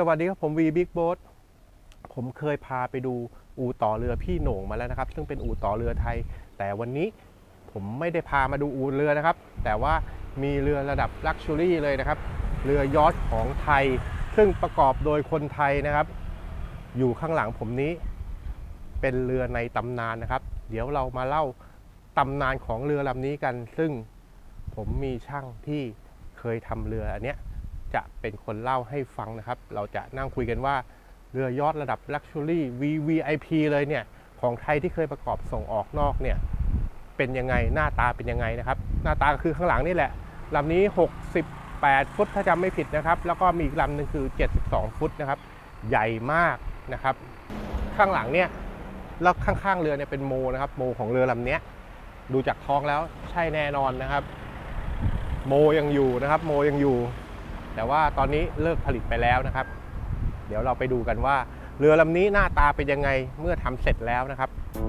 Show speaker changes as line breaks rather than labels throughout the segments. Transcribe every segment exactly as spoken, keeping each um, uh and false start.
วัสดีครับผมวีบิ๊กโบ๊ทผมเคยพาไปดูอู่ต่อเรือพี่โหน่งมาแล้วนะครับซึ่งเป็นอู่ต่อเรือไทยแต่วันนี้ผมไม่ได้พามาดูอู่เรือนะครับแต่ว่ามีเรือระดับลักชัวรี่เลยนะครับเรือยอชท์ของไทยซึ่งประกอบโดยคนไทยนะครับอยู่ข้างหลังผมนี้เป็นเรือในตำนานนะครับเดี๋ยวเรามาเล่าตำนานของเรือลำนี้กันซึ่งผมมีช่างที่เคยทำเรืออันเนี้ยจะเป็นคนเล่าให้ฟังนะครับเราจะนั่งคุยกันว่าเรือยอชท์ระดับ Luxury วี วี ไอ พี เลยเนี่ยของไทยที่เคยประกอบส่งออกนอกเนี่ยเป็นยังไงหน้าตาเป็นยังไงนะครับหน้าตาคือข้างหลังนี่แหละลำนี้หกสิบแปดฟุตถ้าจำไม่ผิดนะครับแล้วก็มีอีกลำหนึ่งคือเจ็ดสิบสองฟุตนะครับใหญ่มากนะครับข้างหลังเนี่ยแล้วข้างๆเรือเนี่ยเป็นโมนะครับโมของเรือลำนี้ดูจากท้องแล้วใช่แน่นอนนะครับโมยังอยู่นะครับโมยังอยู่แต่ว่าตอนนี้เลิกผลิตไปแล้วนะครับเดี๋ยวเราไปดูกันว่าเรือลำนี้หน้าตาเป็นยังไงเมื่อทำเสร็จแล้วนะครับ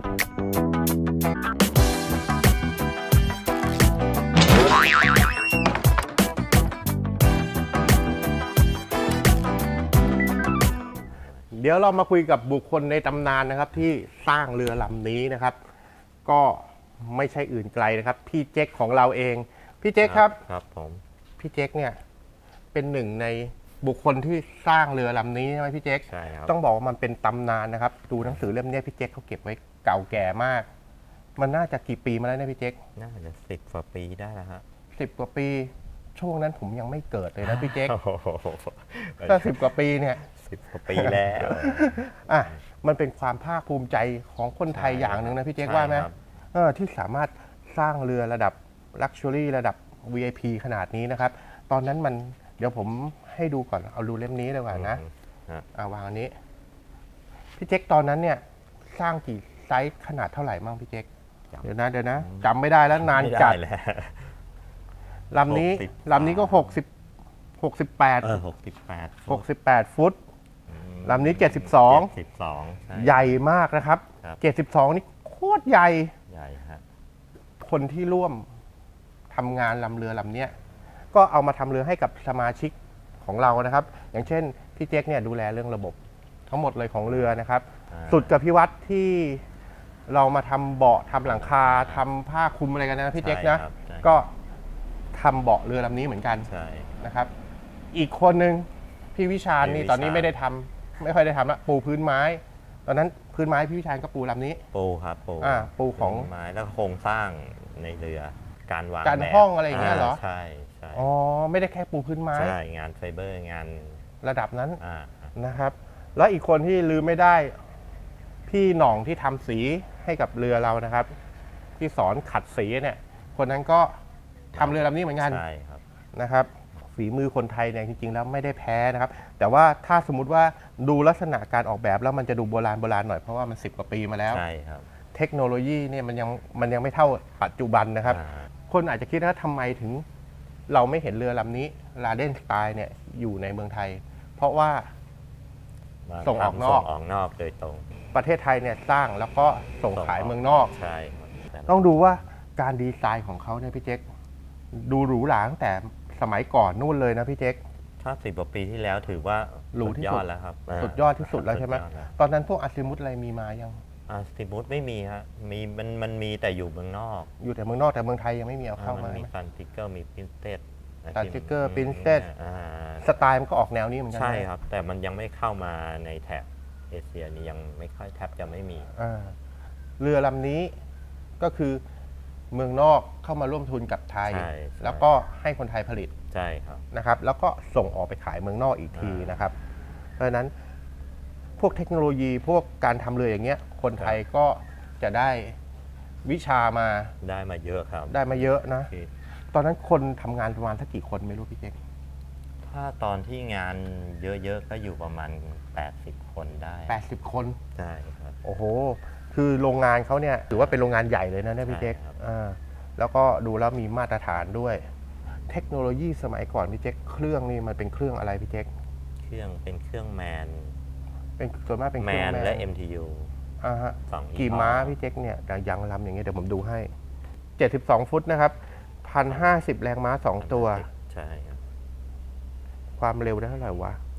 เดี๋ยวเรามาคุยกับบุคคลในตำนานนะครับที่สร้างเรือลำนี้นะครับก็ไม่ใช่อื่นไกลนะครับพี่เจ๊กของเราเองพี่เจ๊กครับ
ครับผม
พี่เจ๊กเนี่ยเป็นหนึ่งในบุคคลที่สร้างเรือลำนี้ใช่ไหมพี่เจ๊ก
ใช่ครับ
ต้องบอกว่ามันเป็นตำนานนะครับดูหนังสือเล่มนี้พี่เจ๊กเขาเก็บไว้เก่าแก่มากมันน่าจะกี่ปีมาแล้วเนี่ยพี่เจ๊ก
น่าจะสิบกว่าปีได้แล้วฮะ
สิบกว่าปีช่วงนั้นผมยังไม่เกิดเลยนะพี่เจ๊กถ้าสิบกว่าปีเนี่ย
สิบกว่าปีแล้ว
อ่ะมันเป็นความภาคภูมิใจของคนไทยอย่างหนึ่งนะพี่เจ๊กว่าไหมเออที่สามารถสร้างเรือระดับ Luxury ระดับ วี ไอ พี ขนาดนี้นะครับตอนนั้นมันเดี๋ยวผมให้ดูก่อนเอาดูเล่มนี้ดีกว่านะเอาวางอันนี้พี่เจ๊กตอนนั้นเนี่ยสร้างกี่ไซส์ขนาดเท่าไหร่มั่งพี่เจ๊กเดี๋ยวนะเดี๋ยวนะจำไม่ได้แล้วนานจัดลำนี้ลำนี้ก็หกสิบหกสิบแปด
เออหกสิบแปด
หกสิบแปดฟุตลำนี้เจ็ดสิบสองใหญ่มากนะครับเจ็ดสิบสองนี่โคตรใหญ่
ใหญ่ฮะ
คนที่ร่วมทำงานลำเรือลำนี้ก็เอามาทำเรือให้กับสมาชิกของเรานะครับอย่างเช่นพี่เจ๊กเนี่ยดูแลเรื่องระบบทั้งหมดเลยของเรือนะครับสุดกับพี่วัดที่เรามาทำเบาะทำหลังคาทำผ้าคลุมอะไรกันนะพี่เจ๊กนะก็ทำเบาะเรือลำนี้เหมือนกันนะครับอีกคนนึงพี่วิชาญนี่ตอนนี้ไม่ได้ทำไม่ค่อยได้ทำละปูพื้นไม้ตอนนั้นพื้นไม้พี่วิชาญก็ปูลำนี้
ปูครับปู
อ่าปูของ
ไม้แล้วโครงสร้างในเรือการวาง
การห้องอะไรอย่างเงี้ยเหรอ
ใช่ใช่
อ๋อไม่ได้แค่ปูพื้นไม้
ใช่งานไฟเบอร์งาน
ระดับนั้นนะครับแล้วอีกคนที่ลืมไม่ได้พี่หน่องที่ทำสีให้กับเรือเรานะครับที่สอนขัดสีเนี่ยคนนั้นก็ทำเรือลำนี้เหมือนกัน
ใช่ครับ
นะครับฝีมือคนไทยเนี่ยจริงๆแล้วไม่ได้แพ้นะครับแต่ว่าถ้าสมมุติว่าดูลักษณะการออกแบบแล้วมันจะดูโบราณโบราณหน่อยเพราะว่ามันสิบกว่าปีมาแล้ว
ใช่ครับ
เทคโนโลยีเนี่ยมันยังมันยังไม่เท่าปัจจุบันนะครับคนอาจจะคิดว่าทำไมถึงเราไม่เห็นเรือลำนี้ลาเดนสไตล์เนี่ยอยู่ในเมืองไทยเพราะว่าส่งออกนอก
ส่งออกนอกโดยตรง
ประเทศไทยเนี่ยสร้างแล้วก็ส่งขายเมืองนอก
ใช่
ต้องดูว่าการดีไซน์ของเขาเนี่ยพี่เจ๊กดูหรูหราตั้งแต่สมัยก่อนนู่นเลยนะพี่เจ๊ก
ถ้าสิบกว่าปีที่แล้วถือว่า
หรูที่สุด
แล้วครับ
สุดยอดที่สุดแล้วใช่ไหมตอนนั้นพวกอาซิมุตอะไรมีมายัง
อาซิมุตไม่มีฮะมีมันมันมีแต่อยู่เมืองนอก
อยู่แต่เมืองนอกแต่เมืองไทยยังไม่มีเอาเข้ามา
มีซันติเกอร์มีปรินเซส
ซันติเกอร์ปรินเซสสไตล์มันก็ออกแนวนี้เหมือนกัน
ใช่ครับแต่มันยังไม่เข้ามาในแถบเอเชียนี่ยังไม่ค่อยแทบจะไม่มี
เรือลำนี้ก็คือเมืองนอกเข้ามาร่วมทุนกับไทยแล้วก็ให้คนไทยผลิต
ใช่ครับ
นะครับแล้วก็ส่งออกไปขายเมืองนอกอีกทีนะครับเพราะฉะนั้นพวกเทคโนโลยีพวกการทำเรืออย่างเงี้ยคนไทยก็จะได้วิชามา
ได้มาเยอะครับ
ได้มาเยอะนะตอนนั้นคนทำงานประมาณสักกี่คนไม่รู้พี่เจ๊ก
ถ้าตอนที่งานเยอะๆก็อยู่ประมาณแปดสิบคนได้
แปดสิบคน
ใช่ครับ
โอ้โหคือโรงงานเขาเนี่ยถือว่าเป็นโรงงานใหญ่เลยนะเนี่ยพี่เจ๊กแล้วก็ดูแล้วมีมาตรฐานด้วยเทคโนโลยีสมัยก่อนพี่เจ๊กเครื่องนี่มันเป็นเครื่องอะไรพี่เจ๊ก
เครื่องเป็นเครื่องแมน
เป็นส่วนมากเป็นเครื่อง
แมนและ เอ็ม ที ยู
อ่าฮะกี่ม้าพี่เจ๊กเนี่ยยังลำอย่างเงี้ยเดี๋ยวผมดูให้เจ็ดสิบสองฟุตนะครับหนึ่งพันห้าสิบแรงม้าสองตัว
ใช่ครับ
ความเร็วได้เท่าไหร่วะ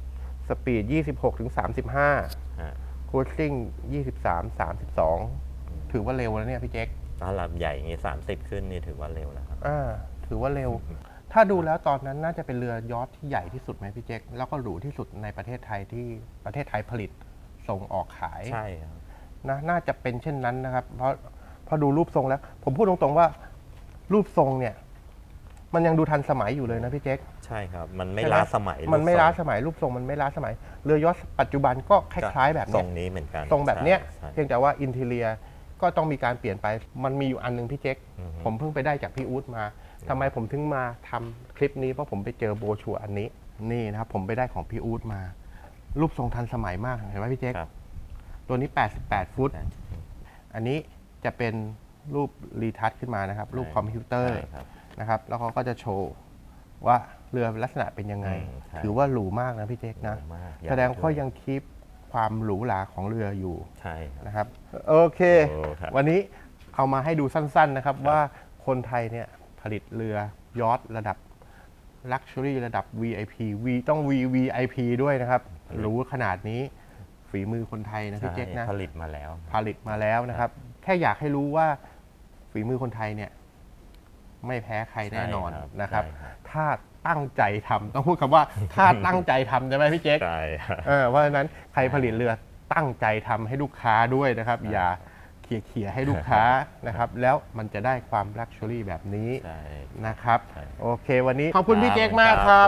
สปีดยี่สิบหกถึงสามสิบห้า
ฮะ
คูลซิ่งยี่สิบสาม สามสิบสอง ถือว่าเร็วแล้วเนี่ยพี่เจ๊ก
ถ้าลำใหญ่อย่างงี้สามสิบขึ้นนี่ถือว่าเร็วแล้วครับ
อ่าถือว่าเร็ว ถ้าดูแล้วตอนนั้นน่าจะเป็นเรือยอชท์ที่ใหญ่ที่สุดไหมพี่เจ๊กแล้วก็หรูที่สุดในประเทศไทยที่ประเทศไทยผลิตส่งออกขาย
ใช่ครับ
นะน่าจะเป็นเช่นนั้นนะครับ เพราะพอดูรูปทรงแล้ว ผมพูดตรงๆว่า รูปทรงเนี่ย มันยังดูทันสมัยอยู่เลยนะพี่เจ๊ก
ใช่ครับ มันไม่
ใช่ไห
ล้าสมัย
มันไม่
รูปทรง
ล้าสมัยรูปทรงมันไม่ล้าสมัย เรือยอชท์ปัจจุบันก็คล้ายๆแบบ
ทร
เนี้
ง
ย
นี้เหมือนกัน
ทรงแบบเนี้ย
ใช่
เพียงแต่ว่าอินเทเรียก็ต้องมีการเปลี่ยนไป มันมีอยู่อันหนึงพี่เจ๊ก
อือฮึ
ผมเพิ่งไปได้จากพี่อู๊ดมาทำไมผมถึงมาทำคลิปนี้เพราะผมไปเจอโบรชัวร์อันนี้ นี่นะครับผมไปได้ของพี่อู๊ดมา รูปทรงทันสมัยมากเห็นไหมพี่เจ๊ก
ครับ
ตัวนี้แปดสิบแปดฟุต อันนี้จะเป็นรูปรีทัชขึ้นมานะครับ รูปคอมพิวเตอร์
ใช่ครับ นะครับ
แล้วเขาก็จะโชว์ว่าเรือลักษณะเป็นยังไง
อืมใช่
ถือว่าหรูมากนะพี่เจ๊กนะ
หรูมาก
แสดงว่า
ใหญ่ด้วย
ยังคีปความหรูหราของเรืออยู่
ใช่ครับ
นะครับ โอเค
โอ้ครับ
วันนี้เอามาให้ดูสั้นๆนะครับว่าคนไทยเนี่ยผลิตเรือยอชท์ระดับ Luxury ระดับ วี ไอ พี V ต้อง V วี ไอ พี ด้วยนะครับหรูขนาดนี้ฝีมือคนไทยนะพี่
ใช่
เจ๊กนะ
ผลิตมาแล้ว
ผลิตมาแล้วนะครับ แค่อยากให้รู้ว่าฝีมือคนไทยเนี่ย ไม่แพ้ใครแน่นอน
ใช่ครับ
นะครับ
ใช่ครับ
ถ้าตั้งใจทำต้องพูดคำว่า ถ้าตั้งใจทำใช่ไหมพี่เจ๊ก
ใช่ครับ
เออเพราะฉะนั้นใครผลิตเรือตั้งใจทำให้ลูกค้าด้วยนะครับ อย่าเขี่ยๆให้ลูกค้านะครับ แล้วมันจะได้ความลักชัวรี่แบบนี้
ใช่
นะครับ
ใช่
โอเค วันนี้ขอบคุณพี่เจ๊กมากครับ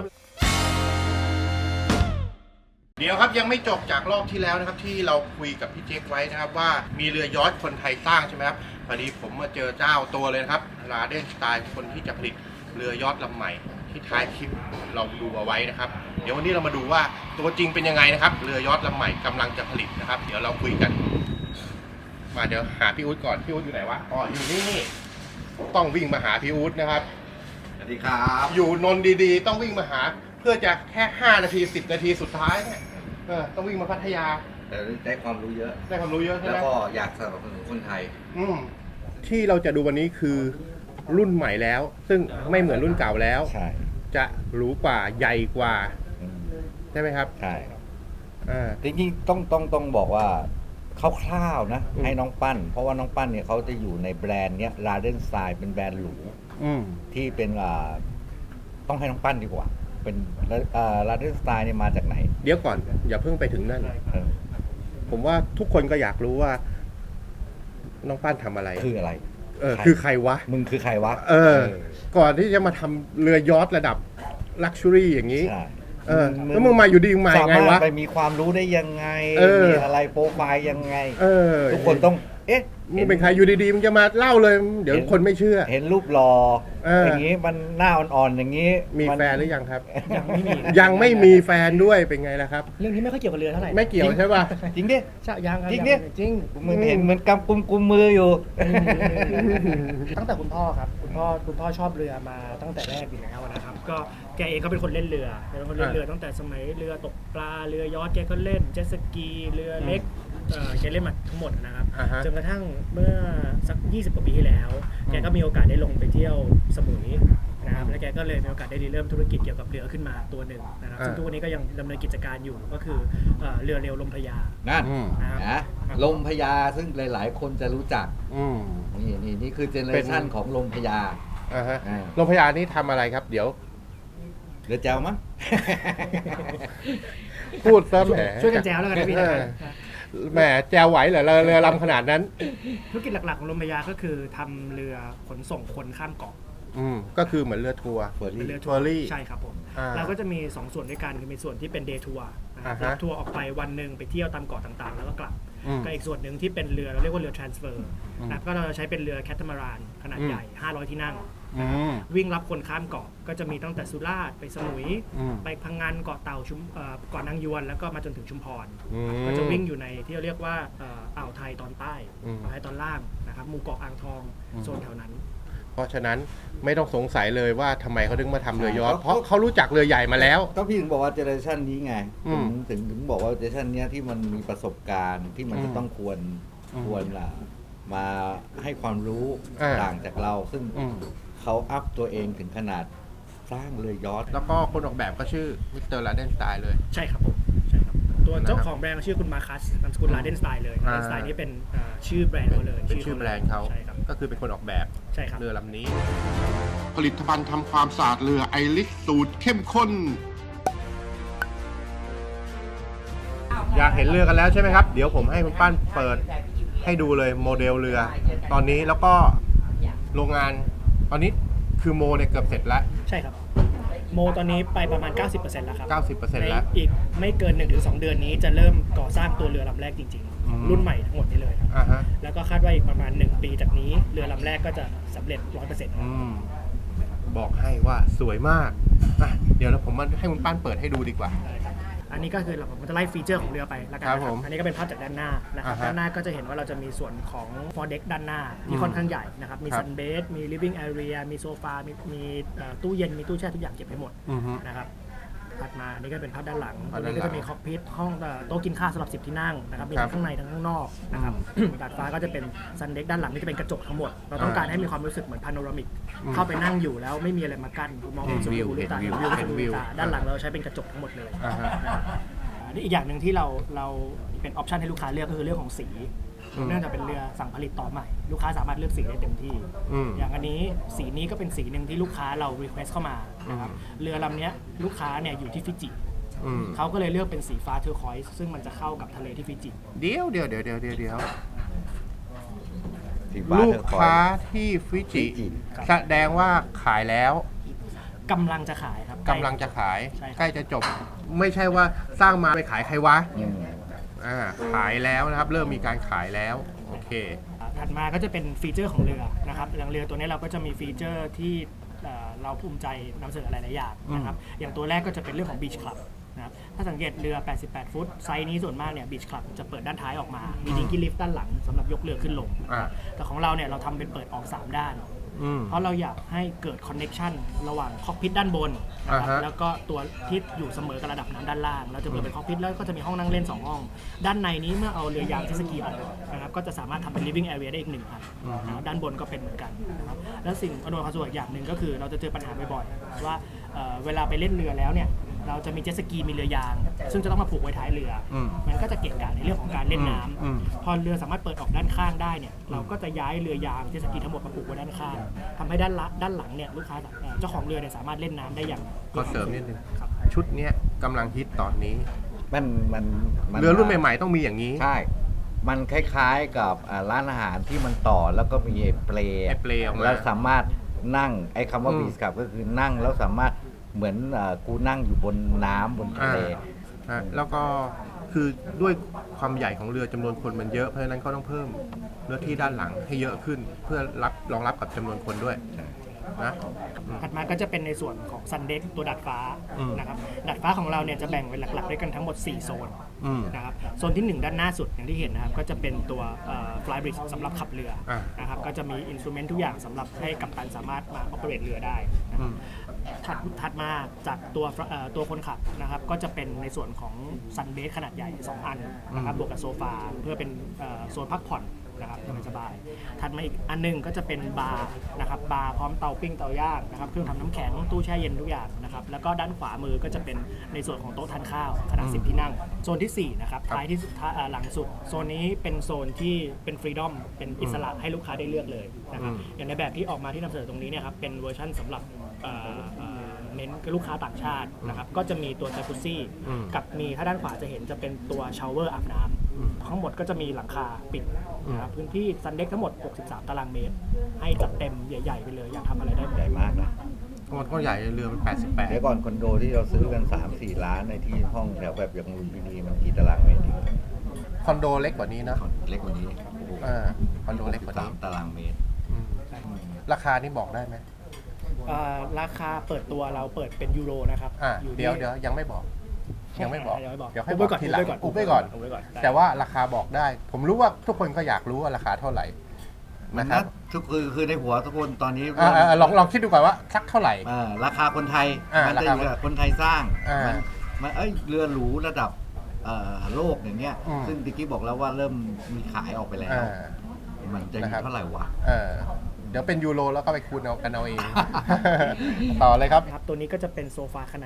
เดี๋ยวครับยังไม่จบจากรอบที่แล้วนะครับ ที่เราคุยกับพี่เจ๊กไว้นะครับ ว่ามีเรือยอชท์คนไทยสร้างใช่ไหมครับพอดีผมมาเจอเจ้าตัวเลยนะครับราเดนสไตล์คนที่จะผลิตเรือยอชท์ลำใหม่ที่ท้ายคลิปเราดูเอาไว้นะครับ เดี๋ยววันนี้เรามาดูว่าตัวจริงเป็นยังไงนะครับ เรือยอชท์ลำใหม่กำลังจะผลิตนะครับ เดี๋ยวเราคุยกัน มาเดี๋ยวหาพี่อุ๊ดก่อนพี่อุ๊ดอยู่ไหนวะอ๋ออยู่นี่ต้องวิ่งมาหาพี่อุ๊ดนะครับ
สวัสดีครับ
อยู่นนท์ดีๆ ต้องวิ่งมาหา เพื่อจะแค่ห้านาทีสิบนาทีสุดท้ายเนี่ยเออต้องวิ่งมาพัทยา
แต่ได้ความรู้เยอะ
ได้ความรู้เยอะใช่
แล้ว
ไหม
ก็อยากสนับสนุนคนไทย
อืมที่เราจะดูวันนี้คือรุ่นใหม่แล้ว ซึ่งไม่เหมือนรุ่นเก่าแล้ว
ใช่
จะหรูกว่าใหญ่กว่า ใช่ไหมครับ
ใช่
อ่า
จริงๆต้องต้องต้องบอกว่าคร่าวๆนะ
อืม
ให้น้องปั้น เพราะว่าน้องปั้นเนี่ยเขาจะอยู่ในแบรนด์เนี้ยลาเดนสไตล์เป็นแบรนด์หรู
อืม
ที่เป็นอ่าต้องให้น้องปั้นดีกว่า เป็นลาเดนสไตล์เนี่ยมาจากไหน
เดี๋ยวก่อนอย่าเพิ่งไปถึงนั่น
เออ
ผมว่าทุกคนก็อยากรู้ว่า น้องปั้นทำอะไร
คืออะไร
เออ
ใคร
คือใครวะ
มึงคือใครวะ
เออ ก่อนที่จะมาทำเรือยอชท์ระดับลักชัวรี่อย่างนี้
ใช่
เออแล้วมึงมาอยู่ดีมึงมา
สา
ยังไง
มารถ
วะ
ไปมีความรู้ได้ยังไง
เออ
มีอะไรโปรไฟล์ยังไง
เออ
ทุกคนต้อง เอ๊ะ
มึงเป็นใครอยู่ดีๆมึงจะมาเล่าเลย เดี๋ยวคนไม่เชื่อ
เห็นรูปรอ
เอออ
อย่างนี้มันหน้าอ่อนๆอย่างนี้
มี
น
แฟนหรือยังครับ
ยังไม่มี
ยังไม่มีแฟนด้วยเป็นไงล่ะครับ
เรื่องนี้ไม่ค่อยเกี่ยวกับเรือเท่าไหร่
ไม่เกี่ยวใช่ป่ะ
จริงดิ
ใช่ยังครับ
จริง
ยั
ดิ
จริง
มึงเห็นเหมือนกำกุมกุมมืออยู่
ตั้งแต่คุณพ่อครับคุณพ่อคุณพ่อชอบเรือมาตั้งแต่แรกอยู่แล้วนะครับ ก็แกเองก็เป็นคนเล่นเรือเป็นคนเล่นเรือตั้งแต่สมัยเรือตกปลาเรือยอชท์แกก็เล่นเจ็ตสกีเรือเล็กเอ่อแกเล่นมาทั้งหมดนะครับ
อ่าฮะ
จนกระทั่งเมื่อสักยี่สิบกว่าปีที่แล้ว แกก็มีโอกาสได้ลงไปเที่ยวสมุยนะครับแล้วแกก็เลยมีโอกาสได้เริ่มธุรกิจเกี่ยวกับเรือขึ้นมาตัวหนึ่งนะครับ
อ่า
ซึ่งทุกวันนี้ก็ยังดำเนินกิจการอยู่ก็คือเอ่อเรือเร็วลมพระยา
นั่น
อืม
นะครับ
นะลมพญาซึ่งหลายๆ คนจะรู้จัก
อืม
นี่นี่นี่คือเจเนอเรชันของลมพญา
อ่าฮะ
อ่า
โรงพยาบาลนี้ทำอะไรครับ เดี๋ยว
เรือแจวมั้ง
พูดซะแหม
ช่วยกันแจวแล้วกันนะพี่
เอ
นะ
อแหมแจวไหวเหรอเรือเรือลำขนาดนั้น
ธุรกิจหลักๆของลมพระยาก็คือทำเรือขนส่งคนข้ามเกาะ
อืมก็คือเหมือนเรือทัวร์
เฟอร์
เป็น
รี่
เรือ
ทัวรี่
ใช่ครับผม
อ่า
เราก็จะมีสองส่วนด้วยกันคือมีส่วนที่เป็นเดย์ทัวร์นะครับ
อ่าฮะ
รับทัวร์ออกไปวันหนึ่งไปเที่ยวตามเกาะต่างๆ แล้วก็กลับ
อืม
ก็อีกส่วนหนึ่งที่เป็นเรือเราเรียกว่าเรือ transfer
อืม
นะก็เราจะใช้เป็นเรือแคทามารานขนาด
อืม
ใหญ่ห้าร้อยที่นั่ง
อืม
วิ่งรับคนข้ามเกาะก็จะมีตั้งแต่สุราษฎร์ไปสมุย
อืม
ไปพังงานเกาะเต่าชุมเอ่อเกาะนางยวนแล้วก็มาจนถึงชุมพร
อืม
ก็จะวิ่งอยู่ในที่เราเรียกว่าเอ่ออ่าวไทยตอนใต้
อืม
อ่าวไทยตอนล่างนะครับหมู่เกาะอ่างทอง
อืม
โซนแถวนั้น
เพราะฉะนั้นไม่ต้องสงสัยเลยว่าทำไมเขาถึงมาทำเรือยอชท์
ใช่
เพราะเขารู้จักเรือใหญ่มาแล้ว
ก็พี่ถึงบอกว่าเจเนอเรชันนี้ไง
อืม
ถึงถึงถึงบอกว่าเจเนอเรชันเนี้ยที่มันมีประสบการณ์ที่มัน
อืม
จะต้องควร
อืม
ควรล่ะมาให้ความรู้
อ่า
ต่างจากเรา ซึ่ง
อืม
เขาอัพตัวเองถึงขนาดสร้างเรือยอชท์
แล้วก็คนออกแบบก็ชื่อมิสเตอร์ลาเดนสไตล์เลย
ใช่ครับผมใช่ตัวเจ้าของแบรนด์ชื่อคุณมาคัสนามสกุลลาเดนสไตล์เลยลาเดนสไตล์นี่เป็นอ่าชื่อแบรนด์เขาเลย
เป็นชื่อแบรนด์เขา
ใช่ครับ
ก็คือเป็นคนออกแบบ
ใช่ครับ
เรือลำนี้ ผลิตภัณฑ์ทำความสะอาดเรือไอริสสูตรเข้มข้น อยากเห็นเรือกันแล้วใช่ไหมครับ เดี๋ยวผมให้คุณปั้นเปิดให้ดูเลยโมเดลเรือ ตอนนี้แล้วก็โรงงานตอนนี้คือโมเนี่ยเกือบเสร็จแล้ว
ใช่ครับโมตอนนี้ไปประมาณ เก้าสิบเปอร์เซ็นต์ แล้วครับ
เก้าสิบเปอร์เซ็นต์ แล้ว
ในอีกไม่เกิน หนึ่งถึงสอง เดือนนี้จะเริ่มก่อสร้างตัวเรือลำแรกจริง
อืม
ๆ รุ่นใหม่ทั้งหมดนี้เลยครับ
อ่าฮะ
แล้วก็คาดว่าอีกประมาณ หนึ่ง ปีจากนี้เรือลำแรกก็จะสำเร็จ ร้อยเปอร์เซ็นต์
อืมบอกให้ว่าสวยมากอ่ะเดี๋ยวเราผมมาให้คุณปั้นเปิดให้ดูดีกว่า
อันนี้ก็คือเราผมจะไล่ฟีเจอร์ของเรือไปแล้วกัน
ครับ
นะค
ผ
รับ
ม
อันนี้ก็เป็นภาพจากด้านหน้านะครับ
อ่าฮะ
ด้านหน้าก็จะเห็นว่าเราจะมีส่วนของ foredeck ด้านหน้าที่ค่อนข้างใหญ่นะครับมี
ครับ
ซันเบสมี living area มีโซฟา มีมีเอ่อตู้เย็นมีตู้แช่ทุกอย่างเก็บให้หมด
อือฮึ
นะครับถัดมาอันนี้ก็เป็นภาพด้านหลัง
ภาพ
ตรง
ด้าน
นี้
หลัง
ก็จะมีคอกพิทห้องเอ่อโต๊ะกินข้าวสำหรับสิบที่นั่งนะครับมี
ครั
ทั้
บ
งข้างในทั้งข้างนอกนะครับ ดาดฟ้าก็จะเป็นซันเด็กด้านหลังนี่จะเป็นกระจกทั้งหมดเราต้องการให้มีความรู้สึกเหมือนพาโนรามิก
อืม
เข้าไปนั่งอยู่แล้วไม่มีอะไรมากั้นมองเห็นสุด
วิว
หูลูกตา
เห็
เห็
น
น
วิ
วิ
ว
ว
เห็นวิว
สุดหูลูกตาด้านหลังเราใช้เป็นกระจกทั้งหมดเลย
อ่าฮะ
อันนี้อีกอย่างหนึ่งที่เราเราเป็นออปชันให้ลูกค้าเลือกก็คือเรื่องของสี
อืม
เนื่องจากเป็นเรือสั่งผลิตต่อใหม่ ลูกค้าสามารถเลือกสีได้เต็มที่
อืม
อย่างอันนี้สีนี้ก็เป็นสีหนึ่งที่ลูกค้าเรา request เข้ามานะครับ
อืม
เรือลำเนี้ยลูกค้าเนี่ยอยู่ที่ฟิจิ
อืม
เขาก็เลยเลือกเป็นสีฟ้าเทอร์คอยส์ซึ่งมันจะเข้ากับทะเลที่ฟิจิ
เดี๋ยวเดี๋ยวเดี๋ยวเดี๋ยวเดี๋ยวเดี๋ยว
สีฟ้า
ลู
เท
ก
อร์คอย
ค้า
ส์
ที่ฟิจิ
ฟิจิ
แสดงว่าขายแล้ว
กำลังจะขายครับ
กำลังจะขาย
ใช่ครับ
ใกล้จะจบ ไม่ใช่ว่าสร้างมาไปขายใครวะ
อืม
อ่าขายแล้วนะครับ เริ่มมีการขายแล้ว โอเค
ถัดมาก็จะเป็นฟีเจอร์ของเรือนะครับอย่างเรือตัวนี้เราก็จะมีฟีเจอร์ที่เอ่อเราภูมิใจนำเสนอหลายๆอย่างนะครับอย่างตัวแรกก็จะเป็นเรื่องของ Beach Club นะครับถ้าสังเกตเรือ แปดสิบแปด ฟุต ไซส์นี้ส่วนมากเนี่ย Beach Club จะเปิดด้านท้ายออกมา มีดิงกี้ลิฟต์ด้านหลังสำหรับยกเรือขึ้นลง
อ่า
แต่ของเราเนี่ยเราทำเป็นเปิดออก สาม ด้าน
อืม
เพราะเราอยากให้เกิดคอนเน็ชันระหว่างคอกพิทด้านบนนะครับ
อ่าฮะ
แล้วก็ตัวที่อยู่เสมอกับระดับน้ำด้านล่าง เราจะเปิดเป็นคอกพิทแล้วก็จะมีห้องนั่งเล่น สอง ห้อง ด้านในนี้เมื่อเอาเรือยางเจ็ตสกีออกนะครับก็จะสามารถทำเป็น living area ได้อีกหนึ่งอันนะครับด้านบนก็เป็นเหมือนกันนะครับแล้วสิ่งอำนวยความสะดวกอย่างหนึ่งก็คือเราจะเจอปัญหาบ่อยๆว่าเอ่อเวลาไปเล่นเรือแล้วเนี่ยเราจะมีเจ็ตสกีมีเรือยาง ซึ่งจะต้องมาผูกไว้ท้ายเรืออ
ม
มันก็จะเกะกะในเรื่องของการเล่นน้
อืม
ำพอเรือสามารถเปิดออกด้านข้างได้เนี่ยเราก็จะย้ายเรือยางเจ็ตสกีทั้งหมดมาผูกไว้ด้านข้างทำให้ด้านละด้านหลังเนี่ยลูกค้าเอ่อเจ้าของเรือเนี่ยสามารถเล่นน้ำได้อย่าง
ก็เสริมนิดนึง
ครับ
ชุดเนี้ยกำลังฮิตตอนนี้
มันมันมั
เรือรุ่นใหม่ๆต้องมีอย่างนี้
ใช่ มันคล้ายๆกับอ่าร้านอาหารที่มันต่อแล้วก็มีไอ้เปล
ไอ้เปลออกมา
แล้วสามารถนั่งไอ้คำว่า
อืม
บีสกับก็คือนั่งแล้วสามารถเหมือนอ่ากูนั่งอยู่บนน้ำบนทะเล
อ่าแล้วก็คือด้วยความใหญ่ของเรือจำนวนคนมันเยอะ เพราะฉะนั้นก็ต้องเพิ่มเนื้อที่ด้านหลังให้เยอะขึ้น เพื่อรับรองรับกับจำนวนคนด้วยนะ
ถัดมาก็จะเป็นในส่วนของซันเด็กตัวดัดฟ้า
อืม
นะครับดัดฟ้าของเราเนี่ยจะแบ่งเป็นหลักๆด้วยกันทั้งหมด สี่ โซน
อืม
นะครับโซนที่ หนึ่ง ด้านหน้าสุดอย่างที่เห็นนะครับก็จะเป็นตัวฟลายบริดจ์สำหรับขับเรือ
อ่า
นะครับก็จะมีอินสตูเมนต์ทุกอย่างสำหรับให้กัปตันสามารถมา operate เรือได้นะค
อื
รับ
ม
ถัดถัดมาจากตัวเอ่อตัวคนขับนะครับก็จะเป็นในส่วนของซันเบสขนาดใหญ่ สอง อันนะครับบวกกับโซฟาเพื่อเป็นเอ่อโซนพักผ่อนนะครับสบายๆถัดมาอีกอันหนึงก็จะเป็นบาร์นะครับบาร์พร้อมเตาปิ้งเตาย่างนะครับเครื่องทำน้ำแข็งตู้แช่เย็นทุกอย่างนะครับแล้วก็ด้านขวามือก็จะเป็นในส่วนของโต๊ะทานข้าวขนาด สิบ ที่นั่งโซนที่สี่นะครับท้ายที่สุดท้ายเอ่อหลังสุดโซนนี้เป็นโซนที่เป็นฟรีดอมเป็นอิสระให้ลูกค้าได้เลือกเลยนะครับ
อืม
อย่างในแบบที่ออกมาที่นำเสนอตรงนี้เนี่ยครับเป็นเวอร์ชั่นสำหรับเอ่อเอ่อเน้นกับลูกค้าต่างชาตินะครับก็จะมีตัวจากุซซี่
อืม
กับมีถ้าด้านขวาจะเห็นจะเป็นตัวชาวเวอร์อาบน้
อืม
ำทั้งหมดก็จะมีหลังคาปิด
อืม
นะครับพื้นที่ซันเด็กทั้งหมด หกสิบสาม ตารางเมตร ให้จัดเต็มใหญ่ๆไปเลยอยากทำอะไรได้หมด
ใหญ่มากนะ
ทั้งหมดก็ใหญ่เรือมันแปดสิบแปด
เดี๋ยวก่อนคอนโดที่เราซื้อกัน สามสี่ ล้านในที่ห้องแถวแบบอย่างลุมพินีมันกี่ตารางเมตรเอง
คอนโดเล็กกว่านี้นะ
เล็กกว่านี้
อ่าคอนโดเล็กกว่านี้
สามตารางเมตร
อืมราคานี่บอกได้ไหม
เอ่อราคาเปิดตัวเราเปิดเป็นยูโรนะครับ
อ่า
ที่
เดี๋ยวเดี๋ยวยังไม่บอก ยังไม่บอก
ยังไม่บอก
เดี๋ยวให้
อุ
บบ อ
ไว้
ก
ก่อน
ทีหลัง
อุบไว้ก่อน
อุบไว้ก่อน
อุบไว้ก่อนได้
แต่ว่าราคาบอกได้ ผมรู้ว่าทุกคนก็อยากรู้ว่าราคาเท่าไหร่
มั
นะ
น
ครั
นะ
บ
ทุกคือคือในหัวทุกคนตอนนี้
อ่าอ่าลองลองคิดดูก่อนว่าสักเท่าไหร่
อ่าราคาคนไทย
อ่า
มัจะอยู่
ราคา
กับคนไทยสร้าง
อ่ามั
มันมันเอ้ยเรือหรูระดับเอ่อโลกอย่างเงี้ย
อืม
ซึ่งตะกี้บอกแล้วว่าเริ่มมีขายออกไปแล้ว
อ่า
มันจะอ
นะครั
ยู่
บ
เท่าไหร่วะ
เออเดี๋ยวเป็นยูโรแล้วก็ไปคูณเอากันเอาเอง ต่อเลยครับ
นะครับตัวนี้ก็จะเป็นโซฟาขนาดใหญ่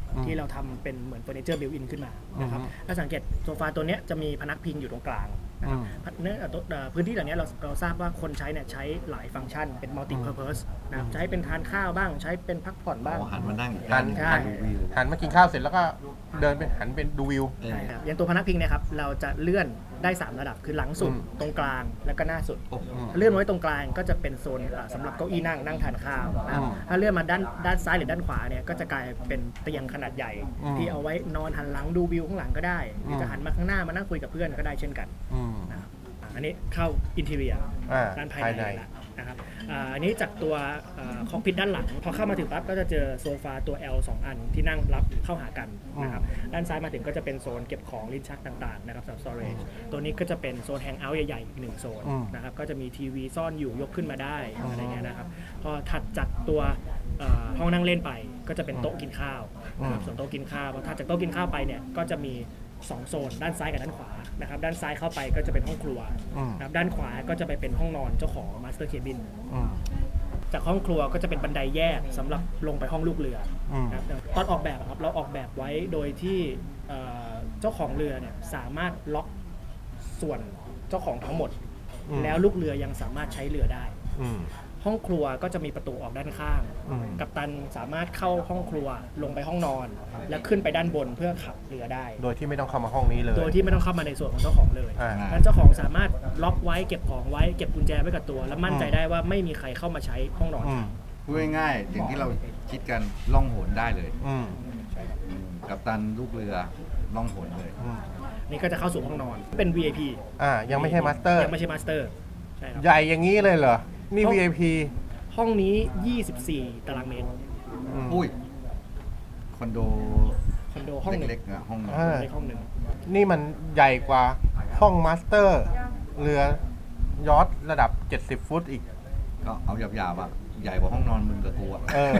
อืม
ที่เราทำเป็นเหมือนเฟอร์นิเจอร์บิวอินขึ้นมานะครับ
อืม
ถ้าสังเกตโซฟาตัวเนี้ยจะมีพนักพิงอยู่ตรงกลางนะครับ
อืม
เนื้อเอ่อตัวเอ่อพื้นที่เหล่านี้เราเราทราบว่าคนใช้เนี่ยใช้หลายฟังก์ชันเป็นมัลติเพอร์เพสนะครับใช้เป็นทานข้าวบ้างใช้เป็นพักผ่อนบ้าง
อ๋อหันมานั่ง
หัน
ใช่
หันหันมากินข้าวเสร็จแล้วก็เดินไปหันเป็นดูวิว
เออ
ใช่ครับอย่างตัวพนักพิงเนะครับเราจะเลื่อนได้สามระดับคือหลังสุด
อืม
ตรงกลางแล้วก็หน้าสุด
โอ้โห
ถ้าเลื่อนไว้ตรงกลางก็จะเป็นโซนอ่าสำหรับเก้าอี้นั่งนั่งทานข้าวนะครับ
อืม
ถ้าเลื่อนมาด้านด้านซ้ายหรือด้านขวาเนี่ยก็จะกลายเป็นเตียงขนาดใหญ่
อืม
ที่เอาไว้นอนหันหลังดูวิวข้างหลังก็ได้หรือจะหันมาข้างหน้ามานั่งคุยกับเพื่อนก็ได้เช่นกัน
อืม
นะครับอ่าอันนี้เข้าอินเท i รีย
อ่า
ด้านภาย
ภาย
ใน
ใน
แล้วนะครับอ่าอันนี้จากตัวคอกพิทด้านหลัง พอเข้ามาถึงปั๊บก็จะเจอโซฟาตัว L สอง อันที่นั่งรับเข้าหากันนะครับด้านซ้ายมาถึงก็จะเป็นโซนเก็บของลิ้นชักต่างๆนะครับสำหรับ storage ตัวนี้ก็จะเป็นโซนแฮงเอาท์ใหญ่ๆอีกหนึ่งโซน
อืม
นะครับก็จะมีทีวีซ่อนอยู่ยกขึ้นมาได้อะไรเงี้ยนะครับพอถัดจากตัวเอ่อห้องนั่งเล่นไปก็จะเป็นโต๊ะกินข้าวนะครับส่วนโต๊ะกินข้าวพอถัดจากโต๊ะกินข้าวไปเนี่ยก็จะมีสองโซนด้านซ้ายกับด้านขวานะครับด้านซ้ายเข้าไปก็จะเป็นห้องครัว
อืม
นะครับด้านขวาก็จะไปเป็นห้องนอนเจ้าของ Master Cabin
อืม
จากห้องครัวก็จะเป็นบันไดแยกสำหรับลงไปห้องลูกเรือ
อืม
นะครับตอนออกแบบอะครับเราออกแบบไว้โดยที่เอ่อเจ้าของเรือเนี่ยสามารถล็อกส่วนเจ้าของทั้งหมด
อืม
แล้วลูกเรือยังสามารถใช้เรือได้
อืม
ห้องครัวก็จะมีประตูออกด้านข้าง
อืม
กัปตันสามารถเข้าห้องครัวลงไปห้องนอน แล้วขึ้นไปด้านบนเพื่อขับเรือได้
โดยที่ไม่ต้องเข้ามาห้องนี้เลย
โดยที่ไม่ต้องเข้ามาในส่วนของเจ้าของเลย
อ่า
นั้นเจ้าของสามารถล็อกไว้เก็บของไว้เก็บกุญแจไว้กับตัว แล้วมั่นใจได้ว่าไม่มีใครเข้ามาใช้ห้องนอน
อืม
พูดง่ายๆอย่างที่เราคิดกันล่องหนได้เลย
อืม
อืมกัปตันลูกเรือล่องหนเลย
อืม
นี่ก็จะเข้าสู่ห้องนอนเป็น วี ไอ พี
อ่า ยังไม่ใช่มาสเตอร์
ยังไม่ใช่มาสเตอร์ใช่ครับ
ใหญ่อย่างนี้เลยเหรอ นี่
ห้อง
วี ไอ พี
ห้องนี้ ยี่สิบสี่ ตารางเมตร
อืม
อุ้ยคอนโด
คอนโดห้องหนึ่ง
เล็กๆอะห้องนอน
อ่า
ในห้องหนึ่ง
นี่มันใหญ่กว่าห้องมาสเตอร์ เรือยอทระดับ เจ็ดสิบ ฟุตอีก
ก็เอาหยาบๆอ่ะใหญ่กว่าห้องนอนมึงกับกูอ่ะ
เออ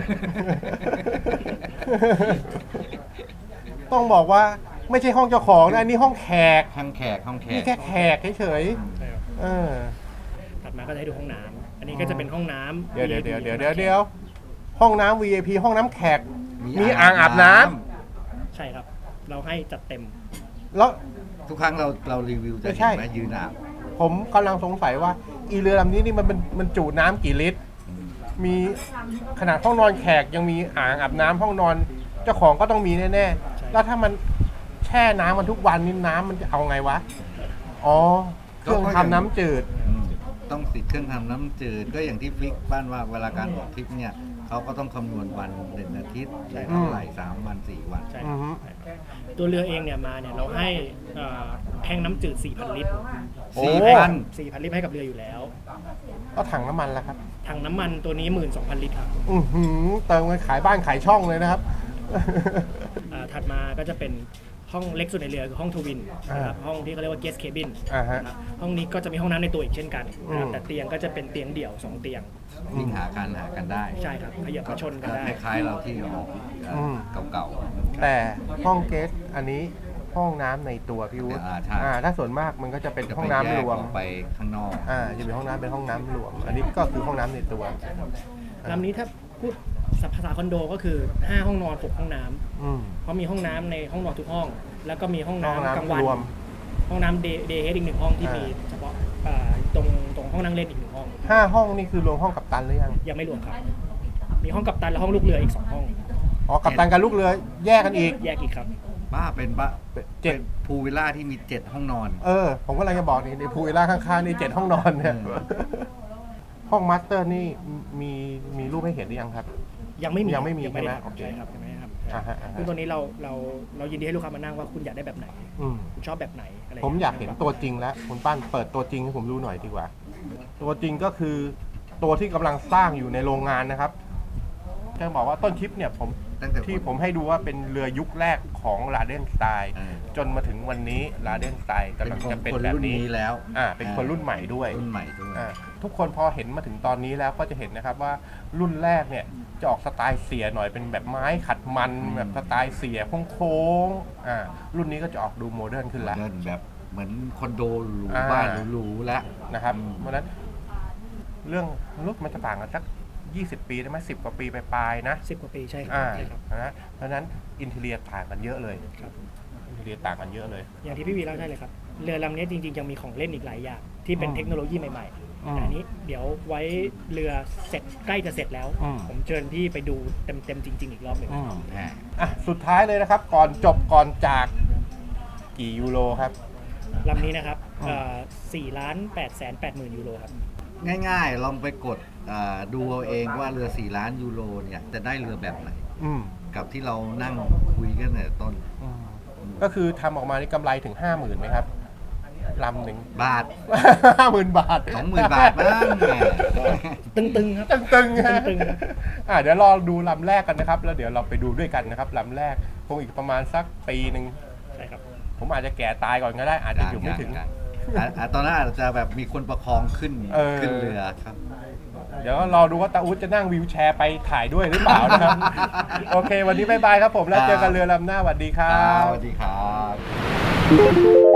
ต้องบอกว่าไม่ใช่ห้องเจ้าของนะอันนี้ห้องแขก
ห้องแขกห้องแข
นี่
ก
แค่แขกเฉย
ใช่ครับ
ๆเออ
ถัดมาก็จะให้ดูห้องน้ำอันนี้ก็จะเป็นห้องน้ำ
เดี๋ยวเดี๋ยว
วี
เดี๋ยว
ไอพี
เดี๋ยวเดี๋ยวเดี๋ยวห้องน้ำ วี ไอ พี ห้องน้ำแขก มีอ่างอาบน้ำ
ใช่ครับ เราให้จัดเต็ม
แล้ว
ทุกครั้งเราเรารีวิวจะ
ไม่
เห็
ใช่
นไหมยืนอาบ
ผมกำลังสงสัยว่า อีเรือลำนี้นี่มันมันมันจุน้ำกี่ลิตร มีขนาดห้องนอนแขกยังมีอ่างอาบน้ำห้องนอนเจ้าของก็ต้องมีแน่ๆ แล้วถ้ามันแช่น้ำมันทุกวันนี่น้ำมันจะเอาไงวะ อ๋อ เครื่องทำน้ำจืด
อืมต้องติดเครื่องทำน้ำจืดก็อย่างที่ฟิกบ้านว่าเวลาการออกทริปเนี่ยเขาก็ต้องคำนวณวันหนึ่งอาทิตย์
ใช่
เท่าไหร่สามวันสี่วัน
ใช่
อือฮึ
ตัวเรือเองเนี่ยมาเนี่ยเราให้เอ่อแทงน้ำจืด สี่พัน ลิตร
โอ้
สี่พัน
สี่พัน ลิตรให้กับเรืออยู่แล้ว
ก็ถังน้ำมันแล้วครับ
ถังน้ำมันตัวนี้ หนึ่งหมื่นสองพัน ลิตรครับ
อือหือเติมกันขายบ้านขายช่องเลยนะครับ
อ่าถัดมาก็จะเป็นห้องเล็กสุดในเรือคือห้องทวินนะครับห้องที่เขาเรียกว่า guest cabin
อ่าฮะ
นะครับห้องนี้ก็จะมีห้องน้ำในตัวอีกเช่นกันนะครับ
อืม
แต่เตียงก็จะเป็นเตียงเดี่ยวสองเตียง
วิ่งหากันหากันได้
ใช่ครับขยับมาชนกันได้
คล้ายๆเราที่ออกเอ่ออเก่าๆ
แต่ห้องเกสต์อันนี้ห้องน้ำในตัวพี่วุฒิ
อ่าใช่
อ่าถ้าส่วนมากมันก็จะเป็น
จะ
ห้
ไป
องน้ำ
แยก
รวม
ออกไปข้างนอก
อ่าจะเป็นห้องน้ำเป็นห้องน้ำรวม อันนี้ก็คือห้องน้ำในตัว
ลำนี้ถ้าพูดภาษาคอนโดก็คือ ห้า ห้องนอน หก ห้องน้ำ
อืม
เพราะมีห้องน้ำในห้องนอนทุกห้อง แล้วก็มีห้อง
ห้อง
น้ำกลางวั
น้ำ
น
รวม
ห้องน้ำเดย์เดย์เฮดอีกหนึ่งห้องที่
อ่ามี
มีเฉพาะอ่าตรงตรงห้องนั่งเล่นอีกหนึ่งห้อง
ห้าห้องนี่คือรวมห้องกัปตันหรือยัง
ยังไม่รวมครับ มีห้องกัปตันและห้องลูกเรืออีกสองห้อง
อ๋อกัปตันกับลูกเรือแยกกันอีก
แยกอีกครับ
บ้าเป็นบ้า
เจ็ด
เป็นพูลวิลล่าที่มีเจ็ดห้องนอน
เออ ผมก็เลยจะบอกนี่ในพูลวิลล่าข้างๆนี่เจ็ดห้องนอนเนี่ย
อืม
ห้องมาสเตอร์นี่มีมีรูปให้เห็นหรือยังครับ
ยังไม่มี
ยังไม่มี
ยังไม่ได้
ใช่ไหม
ทำใช่ครับยังไม่ได้ท
อ่าฮะอ่า
ำ
ฮะ
คือตัวนี้เราเราเรายินดีให้ลูกค้ามานั่งว่าคุณอยากได้แบบไหน
อืม
คุณชอบแบบไหนอะไร
ผมอยากเห็นตัวจริงแล้วคุณปั้นเปิดตัวจริงให้ผมดูหน่อยดีกว่า ตัวจริงก็คือตัวที่กำลังสร้างอยู่ในโรงงานนะครับจะบอกว่าต้นคลิปเนี่ยผม
ตั้งแต่
ที่ผมให้ดูว่าเป็นเรือยุคแรกของลาเดนสไตล์
เออ
จนมาถึงวันนี้ลาเดนสไตล์
เป็น
กำลัง
คน
จะเป็น
คน
แบบ
รุ่น
นี้
นี้แล้ว
อ่าเป็นคนรุ่นใหม่ด้วย
รุ่นใหม่ด้วย
อ่าทุกคนพอเห็นมาถึงตอนนี้แล้วก็จะเห็นนะครับว่ารุ่นแรกเนี่ยจะออกสไตล์เสียหน่อยเป็นแบบไม้ขัดมัน
อืม
แบบสไตล์เสียโค้งๆอ่ารุ่นนี้ก็จะออกดูโมเดิร์นขึ้นแล้ว
เดินแบบเหมือนคอนโดหรู
อ่า
บ้านหรูๆแล้ว
นะครับ
อืม
เพราะฉะนั้นเรื่องรถมันจะต่างกันสักยี่สิบ ปีได้ไหมสิบกว่าปีไปปลายๆนะ
สิบกว่าปีใช่ครับ
อ่า
ใช่ครับ
นะเพราะฉะนั้นอินเทเรียต่างกันเยอะเลย
ครับ
อินเทเรียต่างกันเยอะเลย
อย่างที่พี่วีเล่าใช่เลยครับเรือลำนี้จริงๆยังมีของเล่นอีกหลายอย่างที่เป็น
อืม
เทคโนโลยีใหม่
อืม
ๆแต่อันนี้เดี๋ยวไว้เรือเสร็จใกล้จะเสร็จแล้ว
อืม
ผมเชิญพี่ไปดูเต็มๆจริง ๆ อีกรอบหนึ่ง
อืม
อ่า
อ่ะสุดท้ายเลยนะครับ ก่อนจบก่อนจากกี่ยูโรครับ
ลำนี้นะครับ
อืม
สี่ล้านแปดแสนแปดหมื่นยูโรครับ
ง่ายๆ ลองไปกดอ่าดูเอาเองว่าเรือสี่ล้านยูโรเนี่ยจะได้เรือแบบไหน
อืม
กับที่เรานั่งคุยกันแต่ต้น
อืมก็คือทำออกมานี่กำไรถึงห้าหมื่นไหมครับลำหนึ่ง
บาท
ห้าหมื่นบาท
สองหมื่นบาทบ้างแหม
ตึงๆครับ
ตึงๆฮะ
ตึงๆครับ
อ่ะเดี๋ยวรอดูลำแรกกันนะครับ แล้วเดี๋ยวเราไปดูด้วยกันนะครับลำแรกคงอีกประมาณสักปีหนึ่ง
ใช่ครับ
ผมอาจจะแก่ตายก่อนก็ได้ อาจจะอยู่ไม่ถึง
อ่ะอ่ะตอนนั้นอาจจะแบบมีคนประคองขึ้น
เออ
ขึ้นเรือครับ
เดี๋ยวรอดูว่าตาอุ๊ดจะนั่งวีลแชร์ไปถ่ายด้วยหรือเปล่านะครับ โอเค วันนี้บายบายครับผมแล้วเจอกันเรือลำหน้าสวัสดีครั
ครับ
บ
สวัสดีครับ